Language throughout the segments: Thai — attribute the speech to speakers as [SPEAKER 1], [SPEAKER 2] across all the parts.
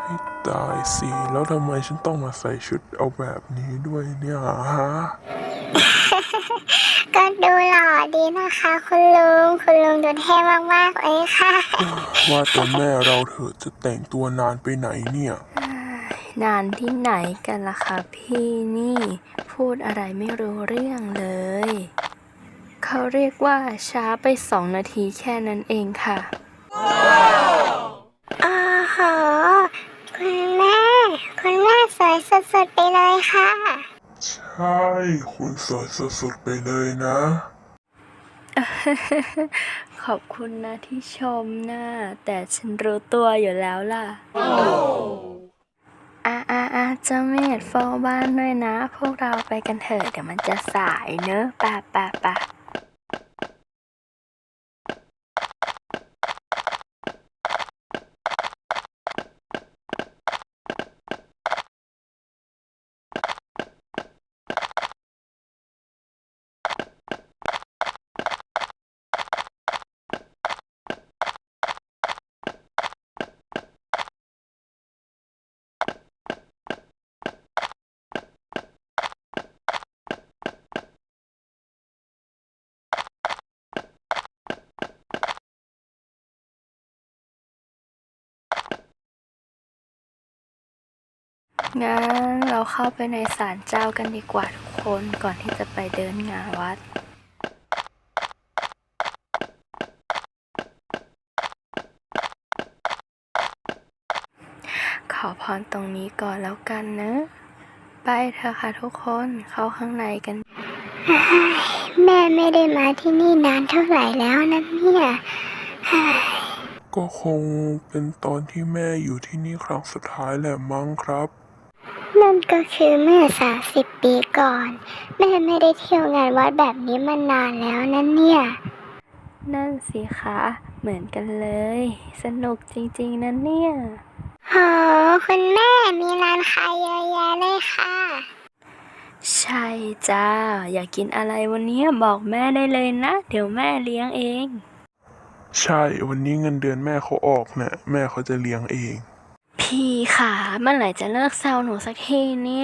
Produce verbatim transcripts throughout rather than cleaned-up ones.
[SPEAKER 1] ตายสิแล้วทำไมฉันต้องมาใส่ชุดเอาแบบนี้ด้วยเนี่ยฮะ
[SPEAKER 2] ก็ดูหล่อดีนะคะคุณลุงคุณลุงดูเท่มากๆเลยค่ะ
[SPEAKER 1] ว่าแต่แม่เราเถอะจะแต่งตัวนานไปไหนเนี่ย
[SPEAKER 3] นานที่ไหนกันล่ะคะพี่นี่พูดอะไรไม่รู้เรื่องเลย เขาเรียกว่าช้าไปสองนาทีแค่นั้นเองค่ะ
[SPEAKER 2] อ๋อโหคุณแม่คุณแม่สวยสุดๆไปเลยค่ะ
[SPEAKER 1] ใช่คุณสวยสุดๆไปเลยนะ
[SPEAKER 3] ขอบคุณนะที่ชมนะแต่ฉันรู้ตัวอยู่แล้วล่ะอ่ะอ่ะอ่ะเจ้าเมธเฝ้าบ้านด้วยนะ พวกเราไปกันเถอะเดี๋ยวมันจะสายเนอะป่ะป่ะป่ะงั้นเราเข้าไปในศาลเจ้ากันดีกว่าทุกคนก่อนที่จะไปเดินงานวัด ขอพรตรงนี้ก่อนแล้วกันนะ ไปเถอะค่ะทุกคนเข้าข้างในกัน
[SPEAKER 2] แม่ไม่ได้มาที่นี่นานเท่าไหร่แล้วนะเนี่ย
[SPEAKER 1] ก็คงเป็นตอนที่แม่อยู่ที่นี่ครั้งสุดท้ายแหละมั้งครับ
[SPEAKER 2] นั่นก็คือเมื่อสามสิบปีก่อน แม่ไม่ได้เที่ยวงานวัดแบบนี้มานานแล้วนะเนี่ย
[SPEAKER 3] นั่นสิคะเหมือนกันเลย สนุกจริงๆนะเนี่ย
[SPEAKER 2] โหคุณแม่มีร้านขายเยอะแยะเลยค่ะ
[SPEAKER 3] ใช่จ้าอยากกินอะไรวันนี้บอกแม่ได้เลยนะ เดี๋ยวแม่เลี้ยงเอง
[SPEAKER 1] ใช่วันนี้เงินเดือนแม่เขาออกนะแม่เขาจะเลี้ยงเอง
[SPEAKER 3] พี่ขาเมื่อไหร่จะเลิกแซวหนูสักทีเนี่ย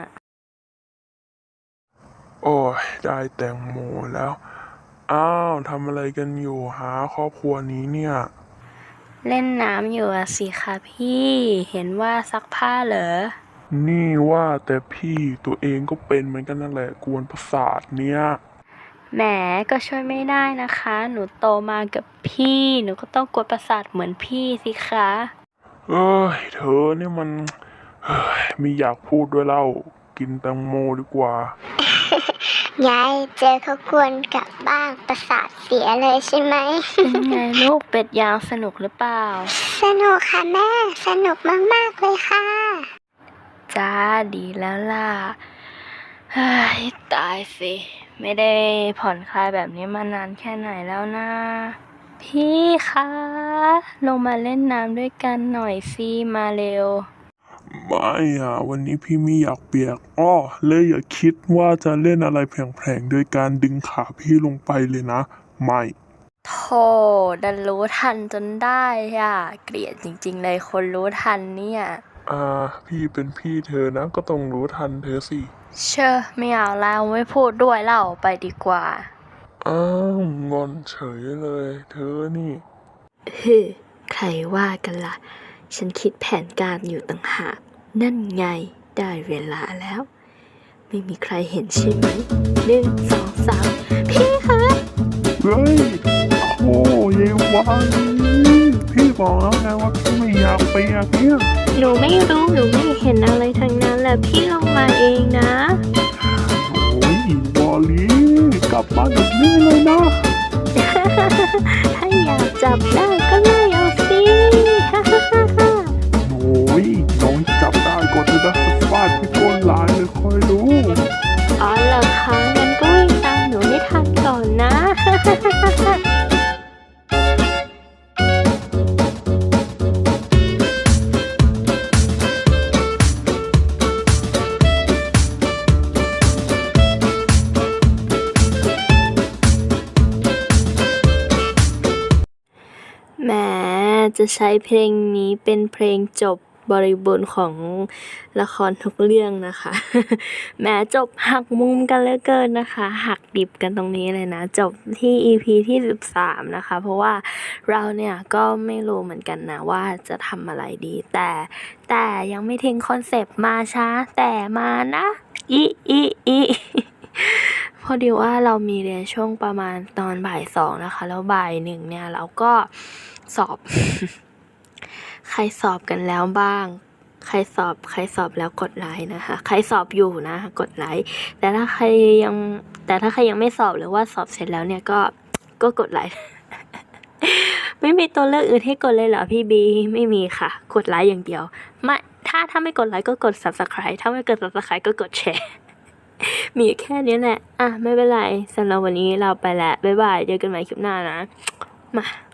[SPEAKER 1] โอ้ยได้แตงโมแล้ว อ้าวทำอะไรกันอยู่หาครอบครัวนี้เนี่ย
[SPEAKER 3] เล่นน้ำอยู่อะสิคะพี่ เห็นว่าซักผ้าเหรอ
[SPEAKER 1] นี่ว่าแต่พี่ตัวเองก็เป็นเหมือนกันนั่นแหละกวนประสาทเนี่ย
[SPEAKER 3] แหมก็ช่วยไม่ได้นะคะ หนูโตมากับพี่ หนูก็ต้องกวนประสาทเหมือนพี่สิคะ
[SPEAKER 1] เอ้ยเธอเนี่ยมันเฮ้ยไม่อยากพูดด้วยเล่ากินแตงโมดีกว่า
[SPEAKER 2] ยายเจอเขากวนกลับบ้านประสาทเสียเลยใช่ไหม
[SPEAKER 3] เป็นไงลูกเป็ดยางสนุกหรือเปล่า
[SPEAKER 2] สนุกค่ะแม่ สนุกมากๆเลยค่ะ
[SPEAKER 3] จ้าดีแล้วล่ะเฮ้ยตายสิ ไม่ได้ผ่อนคลายแบบนี้มานานแค่ไหนแล้วนะ พี่คะลงมาเล่นน้ำด้วยกันหน่อยสิมาเร็ว
[SPEAKER 1] ไม่อ่ะวันนี้พี่ไม่อยากเปียกอ้อเลยอย่าคิดว่าจะเล่นอะไรแผลงๆโดยการดึงขาพี่ลงไปเลยนะ ไม่
[SPEAKER 3] โธ่ดันรู้ทันจนได้อ่ะ เกลียดจริงๆเลยคนรู้ทันเนี่ย
[SPEAKER 1] อ่า พี่เป็นพี่เธอนะก็ต้องรู้ทันเธอสิ
[SPEAKER 3] เชอะไม่เอาแล้วไม่พูดด้วยเล่าไปดีกว่า
[SPEAKER 1] อ้าวงอนเฉยเลย เธอนี่
[SPEAKER 3] ฮึใครว่ากันล่ะ ฉันคิดแผนการอยู่ต่างหาก นั่นไงได้เวลาแล้ว ไม่มีใครเห็นใช่ไหมหนึ่งสองสามพี่คะ
[SPEAKER 1] เฮ้ยโอ้เยวานพี่บอกแล้วไงว่าพี่ไม่อยากเปียกเนี่ย
[SPEAKER 3] หนูไม่รู้หนูไม่เห็นอะไรทั้งนั้นแหละพี่ลงมาเองนะ
[SPEAKER 1] โอ้ยวอลลี่กลับบ้านแบบนี้เลยนะ
[SPEAKER 3] ถ้าอยากจับได้ก็ไล่เอาสิ
[SPEAKER 1] โอ้ยน้องจับได้ก่อนเธอจะฟาดพี่ก้นหลายเลยคอยดู
[SPEAKER 3] อ๋อเหรอคะงั้นก็วิ่งตามหนูให้ทันก่อนนะ แหมจะใช้เพลงนี้เป็นเพลงจบบริบูรณ์ของละครทุกเรื่องนะคะ แม้จบหักมุมกันเหลือเกินนะคะ หักดิบกันตรงนี้เลยนะ จบที่ อี พี ที่สิบสามนะคะ เพราะว่าเราเนี่ยก็ไม่รู้เหมือนกันนะว่าจะทำอะไรดี แต่แต่ยังไม่ทิ้งคอนเซปต์มาช้าแต่มานะอีอีอี พอดีว่าเรามีเรียนช่วงประมาณตอนบ่ายสองนะคะ แล้วบ่ายหนึ่งเนี่ยเราก็สอบ ใครสอบกันแล้วบ้าง ใครสอบใครสอบแล้วกดไลค์นะคะ ใครสอบอยู่นะกดไลค์แต่ถ้าใครยังแต่ถ้าใครยังไม่สอบหรือว่าสอบเสร็จแล้วเนี่ยก็ก็กดไลค์ ไม่มีตัวเลือกอื่นให้กดเลยเหรอพี่บีไม่มีค่ะ กดไลค์อย่างเดียวไม่ถ้าถ้าไม่กดไลค์ก็กด ซับสไครบ์ ถ้าไม่กด ซับสไครบ์ ก็กดแชร์ มีแค่นี้แหละอ่ะไม่เป็นไรสำหรับวันนี้เราไปแล้วบ๊ายบายเจอกันใหม่คลิปหน้านะมา